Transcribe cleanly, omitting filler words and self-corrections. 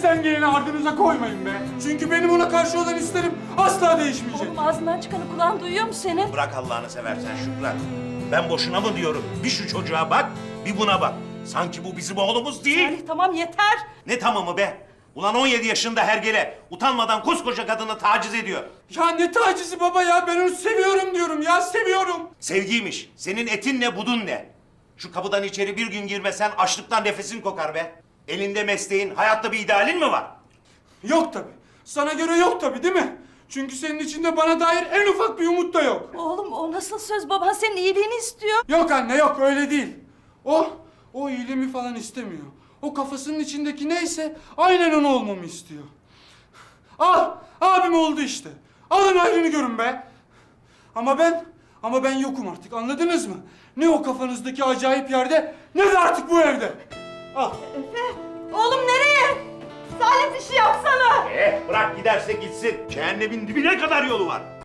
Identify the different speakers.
Speaker 1: Elimden geleni ardınıza koymayın be. Çünkü benim ona karşı olan isterim asla değişmeyecek.
Speaker 2: Oğlum ağzından çıkanı kulağın duyuyor mu senin?
Speaker 3: Bırak Allah'ını seversen Şükran. Ben boşuna mı diyorum? Bir şu çocuğa bak, bir buna bak. Sanki bu bizim oğlumuz değil.
Speaker 2: Salih tamam yeter.
Speaker 3: Ne tamamı be? Ulan 17 yaşında hergele. Utanmadan koskoca kadını taciz ediyor.
Speaker 1: Ya ne tacizi baba ya, ben onu seviyorum diyorum ya, seviyorum.
Speaker 3: Sevgiymiş. Senin etin ne, budun ne? Şu kapıdan içeri bir gün girmesen açlıktan nefesin kokar be. Elinde mesleğin, hayatta bir idealin mi var?
Speaker 1: Yok tabi. Sana göre yok tabi değil mi? Çünkü senin içinde bana dair en ufak bir umut da yok.
Speaker 2: Oğlum o nasıl söz? Baban senin iyiliğini istiyor.
Speaker 1: Yok anne yok, öyle değil. O iyiliğimi falan istemiyor. O kafasının içindeki neyse aynen onu olmamı istiyor. Abim oldu işte. Alın ayrını görün be. Ama ben yokum artık, anladınız mı? Ne o kafanızdaki acayip yerde, ne de artık bu evde. Al.
Speaker 2: Efe, oğlum nereye? Salih bir şey yapsana.
Speaker 3: Bırak giderse gitsin. Cehennemin dibine kadar yolu var.